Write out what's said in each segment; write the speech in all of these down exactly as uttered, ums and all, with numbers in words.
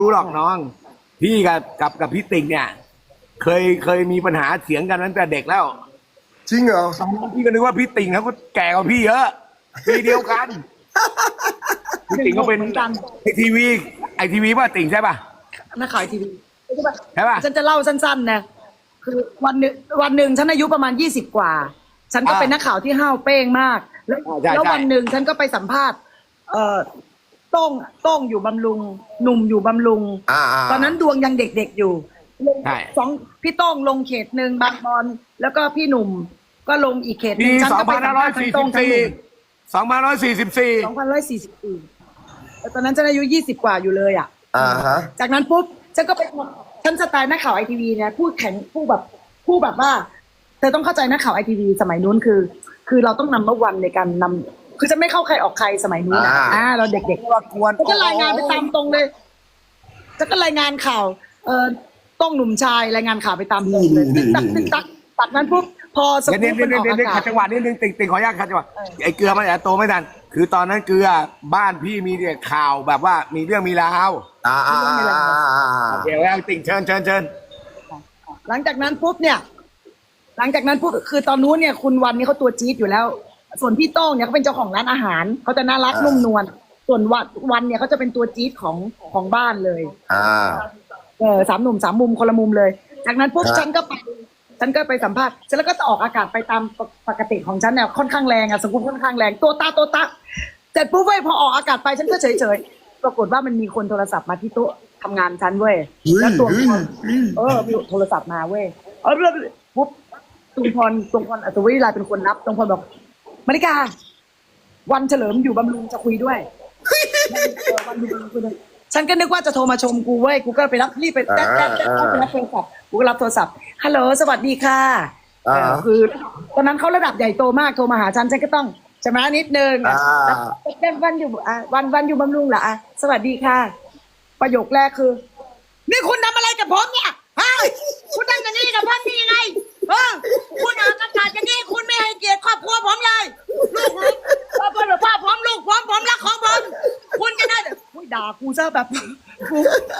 รู้หรอกน้องพี่กับกับกับพี่ติ่งเนี่ยเคยเคยมีปัญหาเถียงกันตั้งแต่เด็กแล้วจริงเหรอพี่ก็นึกว่าพี่ติ่งเขาก็แก่กว่าพี่เยอะปีเดียวกันพี่ติ่งก็เป็นไอทีวีไอทีวีป่ะติ่งใช่ป่ะนักข่าวทีวีใช่ป่ะฉันจะเล่าสั้นๆนะคือวันหนึ่งวันหนึ่งฉันอายุประมาณยี่สิบกว่าฉันก็เป็นนักข่าวที่ห้าวเป้งมากแล้วแล้ววันหนึ่งฉันก็ไปสัมภาษณ์เอ่อโต้งโต้งอยู่บำรุงหนุ่มอยู่บำรุงตอนนั้นดวงยังเด็กๆอยู่สองพี่โต้งลงเขตหนึ่งบางบอนแล้วก็พี่หนุ่มก็ลงอีกเขตหนึ่งฉันก็ไปสัมภาษณ์ทั้งโต้งทั้งหนุ่มสองพันร้อยสี่สิบสี่สองพันร้อยสี่สิบสี่ตอนนั้นฉันอายุยี่สิบกว่าอยู่เลยอ่ะอ่าฮะจากนั้นปุ๊บฉันก็ไปฉันสไตล์นักข่าวไอทีวีเนี่ยพูดแข็งพูดแบบพูดแบบว่าเธอต้องเข้าใจนักข่าวไอทีวีสมัยนู้นคือ คือเราต้องนำเมื่อวันในการนำคือจะไม่เข้าใครออกใครสมัยนู้นนะอ่าเราเด็กๆว่าควรจะรายงานไปตามตรงเลยจะก็รายงานข่าวเอ่อต้องหนุ่มชายรายงานข่าวไปตามตรงเลยตึ๊กตักตึ๊กตักตัดนั้นปุ๊บพอสกู๊ปมันออกอากาศจังหวะนี้นึงติ่งติ่งขออนุญาตขัดจังหวะไอ้เกลือมันอาจจะโตไม่ทันคือตอนนั้นเกลือบ้านพี่มีเนี่ยข่าวแบบว่ามีเรื่องมีราวอ่าอ่าเดี๋ยวแล้วติ่งเชิญเชิญเชิญหลังจากนั้นปุ๊บเนี่ยหลังจากนั้นปุ๊บคือตอนนู้นเนี่ยคุณวันนี้เขาตัวจี๊ดอยู่แล้วส่วนพี่โต้งเนี่ยเขาเป็นเจ้าของร้านอาหารเขาจะน่ารักนุ่มนวลส่วนวันวันเนี่ยเขาจะเป็นตัวจี๊ดของของบ้านเลยอ่าเออสามหนุ่มสามมุมคนละมุมเลยจากนั้นปุ๊บฉันก็ไปฉันก็ไปสัมภาษณ์เสร็จแล้วก็จะออกอากาศไปตามปกติของฉันเนี่ยค่อนข้างแรงอะสกุลค่อนข้างแรงตัวตาตัวตาเสร็จปุ๊บเว้ยพอออกอากาศไปฉันก็เฉยเฉยปรากฏว่ามันมีคนโทรศัพท์มาที่โต๊ะทำงานฉันเว้ยแล้วตัวเออมีโทรศัพท์มาเว้ยเออปุ๊บตุงพรตุงพรอัศวิไลเป็นคนนับตุงพรบอกมาริกาวันเฉลิมอยู่บำรุงจะคุยด้วยวันอยู่บำรุงคุยด้วยฉันก็นึกว่าจะโทรมาชมกูเว้ยกูก็ไปรับรีบไปแต๊ะแต๊ะแต๊ะไปรับโทรศัพท์กูก็รับโทรศัพท์ฮัลโหลสวัสดีค่ะคือตอนนั้นเขาระดับใหญ่โตมากโทรมาหาฉันฉันก็ต้องชำระนิดนึงแล้ววันอยู่อ่ะวันวันอยู่บำรุงเหรออ่ะสวัสดีค่ะประโยคแรกคือนี่คุณทำอะไรกับผมเนี่ยฮะคุณทำอย่างนี้กับผมนี่ยังไงเออคุณออกอากาศอย่างนี้คุณไม่ให้เกียรติครอบครัวผมเลยลูกพ่อพ่อพ่อผมลูกผมผมรักของผมคุณจะได้อุ้ยด่ากูซะแบบกู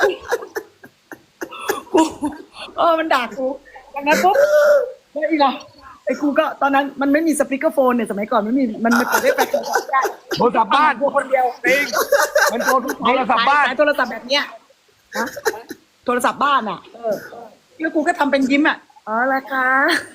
กูเออมันด่ากูอย่างนั้นปุ๊บแล้วอีกอ่ะไอ้กูก็ตอนนั้นมันไม่มีสปีกเกอร์โฟนเนี่ยสมัยก่อนไม่มีมันไม่เปิดได้แต่โทรศัพท์ได้โทรศัพท์บ้านกูคนเดียวติงมันโทรโทรศัพท์บ้านโทรศัพท์แบบเนี้ยนะโทรศัพท์บ้านอ่ะเออแล้วกูก็ทำเป็นยิ้มอ่ะอ๋อละคะ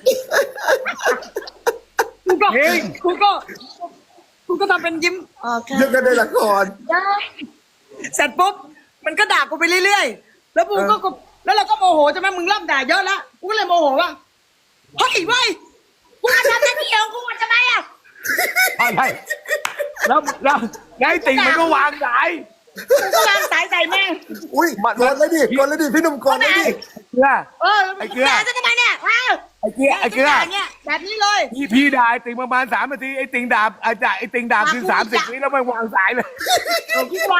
กูก็กูก็กูก็ทำเป็นยิ้มอ๋อค่ะยังกันในละครได้เสร็จปุ๊บมันก็ด่ากูไปเรื่อยๆแล้วกูก็แล้วเราก็โมโหใช่ไหมมึงเริ่มด่าเยอะแล้วกูก็เลยโมโหว่าเฮ้ยเว้ยกูมาทำหน้าที่ของกูทำไมอ่ะอะไรแล้วแล้วไงติ่งมันก็วางสายกูก็วางสายใส่แม่งอุ้ยกดเลยดิกดเลยดิพี่หนุ่มกดเลยดิเกลือเออไอ้เกลือจะทำไมเนี่ยไอ้เกลือไอ้เกลือเนี่ยแบบนี้เลยพี่พี่ด่าไอ้ติ่งประมาณสามนาทีไอ้ติ่งด่าไอ้จ่าไอ้ติ่งด่าคือสามสิบวิแล้วมันวางสายเลยคิดว่า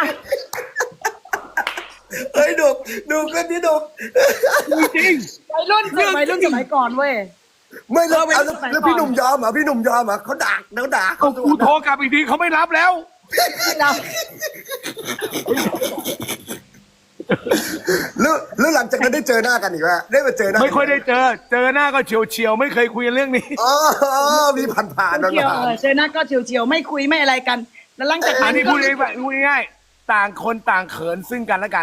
เฮ้ยดุดุกันดิดุจริงวัยรุ่นวัยรุ่นสมัยก่อนเว้ยไม่แล้วแล้วพี่หนุ่มยอมเหรอพี่หนุ่มยอมเหรอเขาด่าเขาด่าเขากูโทรกลับอีกทีเขาไม่รับแล้วแล้วแล้วหลังจากนั้นได้เจอหน้ากันอีกไหมได้มาเจอหน้าไม่ค่อยได้เจอเจอหน้าก็เฉียวเฉียวไม่เคยคุยเรื่องนี้อ๋อมีผ่านผ่านเฉียวเจอหน้าก็เฉียวเฉียวไม่คุยไม่อะไรกันแล้วหลังจากนั้นนี่พูดง่ายพูดง่ายต่างคนต่างเขินซึ่งกันและกัน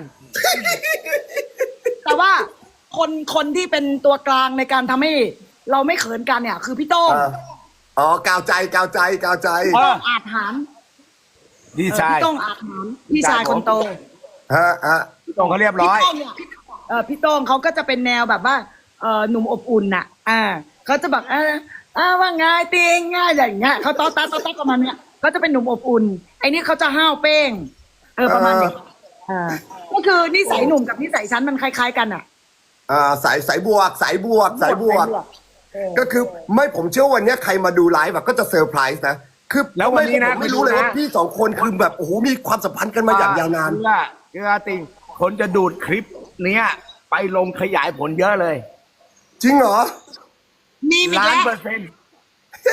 แต่ว่าคนคนที่เป็นตัวกลางในการทำให้เราไม่เขินกันเนี่ยคือพี่โต้งอ๋อกาวใจกาวใจกาวใจอาจหารพี่ชายพี่โต้งอาจหารพี่ชายคนโตฮะฮะพี่โต้งเขาเรียบร้อยเออพี่โต้งเขาก็จะเป็นแนวแบบว่าเออหนุ่มอบอุ่นน่ะอ่าเขาจะแบบอ่าอ่าว่าง่ายตีงง่ายอย่างเงี้ยเขาต้อต้าต้อต้าประมาณเนี้ยเขาจะเป็นหนุ่มอบอุ่นไอ้นี่เขาจะห้าวเป้งเออประมาณนี้อ่าก็คือนิสัยหนุ่มกับนิสัยฉันมันคล้ายๆกันอ่ะอ่าสายสายบวกสายบวกสายบวกก็คือไม่ผมเชื่อวันนี้ใครมาดูไลฟ์แบบก็จะเซอร์ไพรส์นะคือแล้ววันนี้นะไม่รู้เลยว่าพี่สองคนคือแบบโอ้โหมีความสัมพันธ์กันมาอย่างยาวนานเกลือติงคนจะดูดคลิปเนี้ยไปลงขยายผลเยอะเลยจริงเหรอมีมีล้านเปอร์เซ็นต์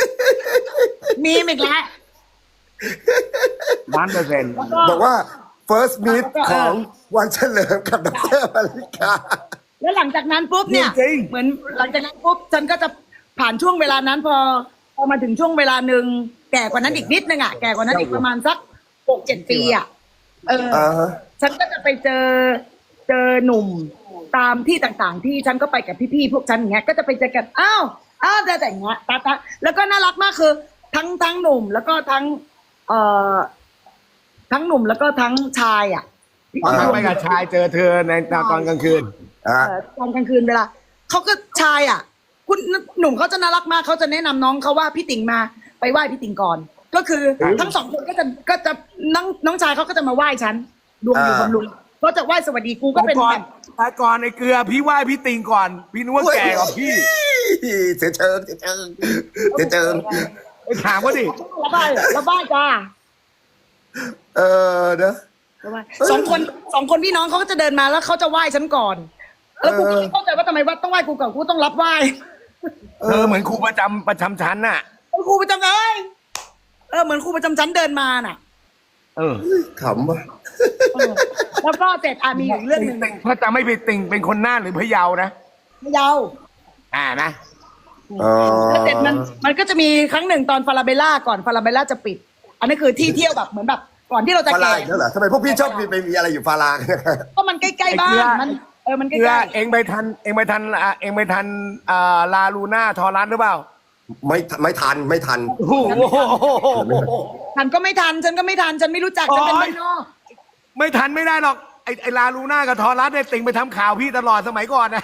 มีอีกแล้วล้านเปอร์เซ็นต์บอกว่า first meet แล้วก็ของวันเฉลิมกับดรมาริกาแล้วหลังจากนั้นปุ๊บเนี่ยจริงเหมือนหลังจากนั้นปุ๊บฉันก็จะผ่านช่วงเวลานั้นพอพอมาถึงช่วงเวลาหนึ่งแก่กว่านั้นอีกนิดนึงอ่ะแก่กว่านั้นอีกประมาณสักหกเจ็ดปีอ่ะเอออ่าฮะฉันก็จะไปเจอเจอหนุ่มตามที่ต่างๆ ที่ฉันก็ไปกับพี่ๆพวกฉันอย่างเงี้ยก็จะไปเจอกันอ้าวอ้าวแต่อย่างเงี้ยตาตาแล้วก็น่ารักมากคือ ทั้งทั้งหนุ่มแล้วก็ทั้ง เอ่อทั้งหนุ่มแล้วก็ทั้งชายอ่ะตอนนั้นไปกับชายเจอเธอในตอนกลางคืนอ่าเอ่อตอนกลางคืนเวลาเขาก็ชายอ่ะ คุณหนุ่มเขาจะน่ารักมากเขาจะแนะนำน้องเขาว่าพี่ติ๋งมาไปไหว้พี่ติ๋งก่อน ก็คือครับทั้งสองคนก็จะก็จะน้องน้องชายเขาก็จะมาไหว้ฉันดวงอยู่บำรุงก็จะไหว้สวัสดีกูก็เป็นก่อนแบบแต่ก่อนไอ้เกลือพี่ไหว้พี่ติงก่อน พี่นึกว่าแก่กว่าพี่เสียเชิงเสียเชิงเสียเชิงไปถามว่าดิระบายระบายจ้าเออเนอะระบายสองคนสองคนพี่น้องเขาก็จะเดินมาแล้วเขาจะไหว้ฉันก่อน แล้วกูก็ไม่เข้าใจว่าทำไมว่าต้องไหว้กูก่อนกูต้องรับไหว้เธอเหมือนครูประจำประจำชั้นน่ะครูประจำเอ้ยเออเหมือนครูประจำชั้นเดินมาน่ะเออขำว่ะเออแล้วก็เสร็จอ่ะมีอีกเรื่องหนึ่งติ่งถ้าจะไม่ไปติ่งเป็นคนหน้าหรือพะเยานะเยาอ่านะอ๋อแล้วเสร็จมันมันก็จะมีครั้งหนึ่งตอนฟาราเบลล่าก่อนฟาราเบลล่าจะปิด อันนี้คือที่เที่ยวแบบเหมือนแบบก่อนที่เราจะฟาราแก่อีกแล้วเหรอทำไมพวกพี่ชอบมีไปมีอะไรอยู่ฟาราก็มันใกล้ๆบ้านมันเออมันใกเกลือล้เองไปทัน เองไปทันอ่ะเองไปทันอ่าลาลูน่าทอรัสหรือเปล่าไม่ไม่ทันไม่ทันโอ้โหๆทันก็ไม่ทันฉันก็ไม่ทันฉันไม่รู้จักฉันเป็นบ้านนอกไม่ทันไม่ได้หรอกไอ้ไอ้ลาลูน่ากับทอรัสเนี่ยติ่งไปทำข่าวพี่ตลอดสมัยก่อนนะ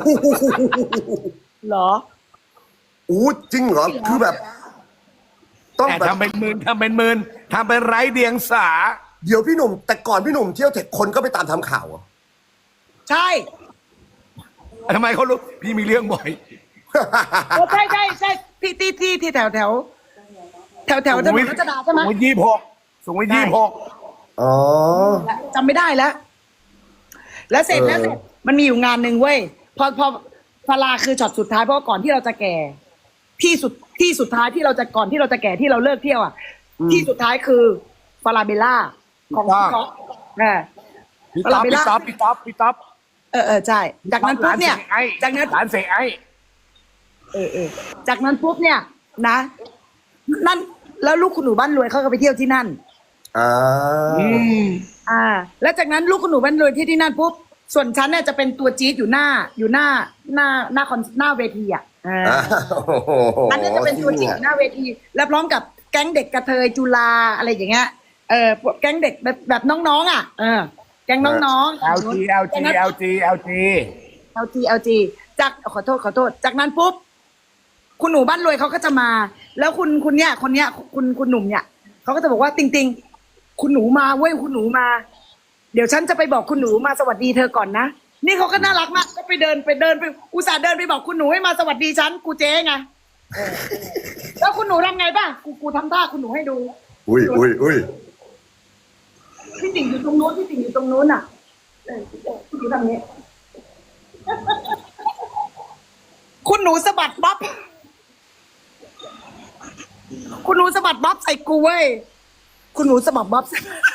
เหรออู้จริงเหรอคือแบบ ต้องแต่แบบทำเป็นหมื่นทำเป็นหมื่นทำเป็นไร้เดียงสาเดี๋ยวพี่หนุ่ม แต่ก่อนพี่หนุ่มเที่ยวเทคคนก็ไปตามทำข่าวเหรอใช่ทำไมเขารู้พี่มีเรื่องบ่อยเออใช่ใช่ใช่ที่ที่ที่ที่แถวแถวแถวแถวถนนรัชดาใช่ไหมสูงวิทยี่หกสูงวิทยี่หกอ๋อจำไม่ได้แล้ว แล้วเสร็จเออแล้วเสร็จมันมีอยู่งานหนึ่งเว้ยพอพอฟาราคือช็อตสุดท้ายเพราะว่าก่อนที่เราจะแก่ ที่สุดที่สุดท้ายที่เราจะก่อนที่เราจะแก่ที่เราเลิกเที่ยวอ่ะ ที่สุดท้ายคือฟาราเบลล่าของพี่ก๊อฟเออพี่ต๊อปพี่ต๊อปพี่ต๊อปพี่ต๊อปเออเออใช่ จากนั้นปุ๊บเนี่ย จากนั้นร้านเสกไอ้เออเออจากนั้นปุ๊บเนี่ย นะ นั่นแล้วลูกคุณหนูบ้านรวยเขาก็ไปเที่ยวที่นั่นอ่าอืมอ่า แล้วจากนั้นลูกคุณหนูบ้านรวยที่ที่นั่นปุ๊บส่วนฉันเนี่ยจะเป็นตัวจี๊ดอยู่หน้า อยู่หน้าหน้าหน้าคอนหน้าเวทีอ่ะอ่าอ่าโอ้โหอันนี้จะเป็นตัวจี๊ดอยู่หน้าเวที แล้วพร้อมกับแก๊งเด็กกระเทยจุฬาอะไรอย่างเงี้ยเออพวกแก๊งเด็กแบบแบบน้องๆอ่ะเออแก๊งน้องๆแอลจีแอลจีแอลจีแอลจีเอลจีเอลจีจากขอโทษขอโทษ จากนั้นปุ๊บคุณหนูบ้านรวยเขาก็จะมา แล้วคุณคุณเนี่ยคนเนี้ยคุณคุณหนุ่มเนี่ยเขาก็จะบอกว่าติงติงคุณหนูมาเว้ยคุณหนูมา เดี๋ยวฉันจะไปบอกคุณหนูมาสวัสดีเธอก่อนนะนี่เขาก็น่ารักมากก็ไปเดินไปเดินไปอุตส่าห์เดินไปบอกคุณหนูให้มาสวัสดีฉันกูเจ๊ไงเออแล้วคุณหนูทำไงป่ะกูกูทำท่าคุณหนูให้ดูอุ้ยอุ้ยอุ้ยพี่ติ่งอยู่ตรงนู้นพี่ติ่งอยู่ตรงนู้นอ่ะเออพี่ติ่งทำอย่างนี้ คุณหนูสะบัดบ๊อบคุณหนูสะบัดบ๊อบใส่กูเว้ยคุณหนูสะบัดบ๊อบ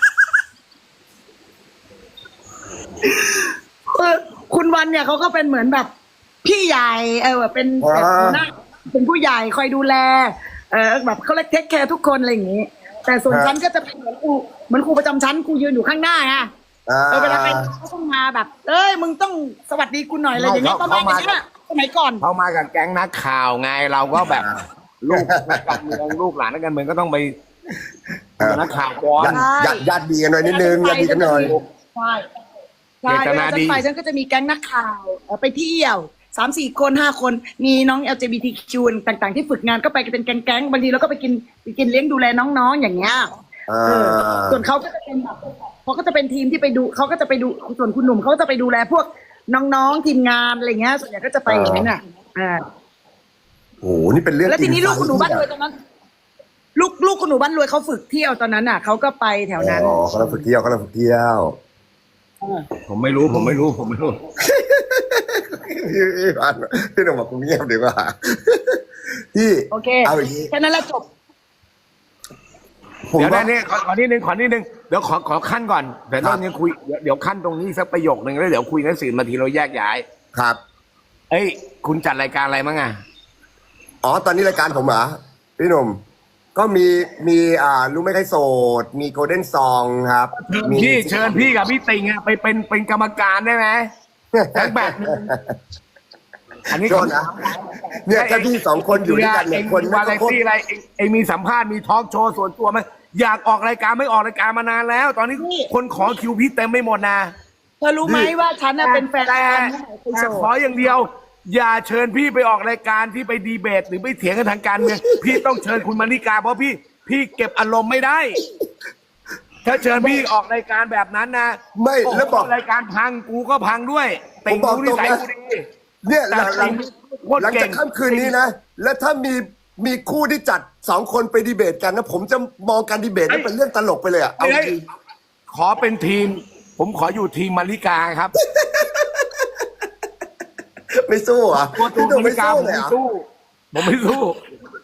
เออคุณวันเนี่ยเขาก็เป็นเหมือนแบบ พี่ใหญ่เออเป็นแบบหัวหน้าเป็นผู้ใหญ่คอยดูแล เออแบบเขาเล็กเทคแคร์ทุกคนอะไรอย่างงี้ แต่ส่วนฉันก็จะเป็นเหมือนครูเหมือนครูประจำชั้นครูยืนอยู่ข้างหน้าไงอ่าเออเวลาใครเขาต้องมาแบบ เอ้ยมึงต้องสวัสดีกูหน่อยอะไรอย่างเงี้ยประมาณนี้นะสมัยก่อนเขามากับแก๊งนักข่าวไงเราก็แบบลูกนักการเมืองลูกหลานนักการเมืองก็ต้องไปเป็นนักข่าวก่อนญาติญาติดีกันหน่อยนิดนึงญาติดีกันหน่อยใช่ใช่เจตเวนาลาฉัดีนไปฉันก็จะมีแก๊งนักข่าวเอ่อไปเที่ยวสามสี่คนห้าคนมีน้อง แอล จี บี ที คิว ต่างๆที่ฝึกงานก็ไปกันเป็นแก๊งๆบางทีเราก็ไปกินไปกินเลี้ยงดูแลน้องๆอย่างเงี้ยอ่าเออส่วนเขาก็จะเป็นแบบเขาก็จะเป็นทีมที่ไปดูเขาก็จะไปดูส่วนคุณหนุ่มเขาก็จะไปดูแลพวกน้องๆทีมงานอะไรเงี้ยส่วนใหญ่ก็จะไปอย่างนั้นอ่ะอ่าโอ้โหนี่เป็นเรื่องแล้วทีนี้จริงลูกคุณหนูบ้านรวยตอนนั้น ลูกลูกคุณหนูบ้านรวยเขาฝึกเที่ยวตอนนั้นอ่ะเขาก็ไปแถวนั้นอ๋อเขาเราฝึกเที่ยวเขาเราฝึกเที่ยวผมไม่รู้ผมไม่รู้ผมไม่รู้พี่พี่พันพี่หนุ่มบอกกูเงียบดีกว่าพี่โอเคเอาอย่างนี้แค่นั้นแหละจบผมเดี๋ยวว่านะนี่ขอขอนิดนึงขอนิดนึงเดี๋ยวขอขอขั้นก่อนแต่ตอนนี้คุยเดี๋ยวเดี๋ยวขั้นตรงนี้สักประโยคหนึ่งแล้วเดี๋ยวคุยกันสี่นาทีเราแยกย้ายครับเอ้ยคุณจัดรายการอะไรมั้งอ่ะอ๋อตอนนี้รายการผมเหรอพี่หนุ่มก็มีมีอ่ารู้ไหมใครโสดมีโกลเด้นซองครับมีพี่เชิญพี่กับพี่ติงอะไปเป็นเป็นกรรมการได้ไหมสักแบบนึงอันนี้โทษนะเนี่ยถ้าพี่สองคนอยู่ด้วยกันเนี่ยคนวาไม่ไรก็ตี้อะไรเองเองมีสัมภาษณ์มีทอล์กโชว์ส่วนตัวไหมอยากออกรายการไม่ออกรายการมานานแล้ว ตอนนี้คนขอคิวพี่เต็มไม่หมดนะเธอรู้ไหมว่าฉันน่ะเป็นแฟนแต่กันไปโชแต่ว์ขออย่างเดียว อย่าเชิญพี่ไปออกรายการที่ไปดีเบต หรือไปเถียงกันทางการเมืองพี่ต้องเชิญคุณมานิกาเพราะพี่พี่เก็บอารมณ์ไม่ได้ ถ้าเชิญพี่ออกรายการแบบนั้นนะไม่โอ้โหแล้วบอกรายการพังกูก็พังด้วยติงผมบอกกูนิสัยตรงนะกูดีเนี่ยหแต่ลังหลังติงโคตรหลังเก่จาง กค่ำคืนนี้นะ แล้วถ้ามีมีคู่ที่จัดสองคนไปดีเบตกันนะผมจะมองการดีเบตนั้นเป็นเรื่องตลกไปเลยอะเอาเฮ้ยจริงขอเป็นทีม ผมขออยู่ทีมมาริกาครับไม่สู้เหรอ่ะตัวตูพี่หนุ่มมาไม่ริกาสู้ผมเลยไม่เหรอ่ะสู้ผมไม่สู้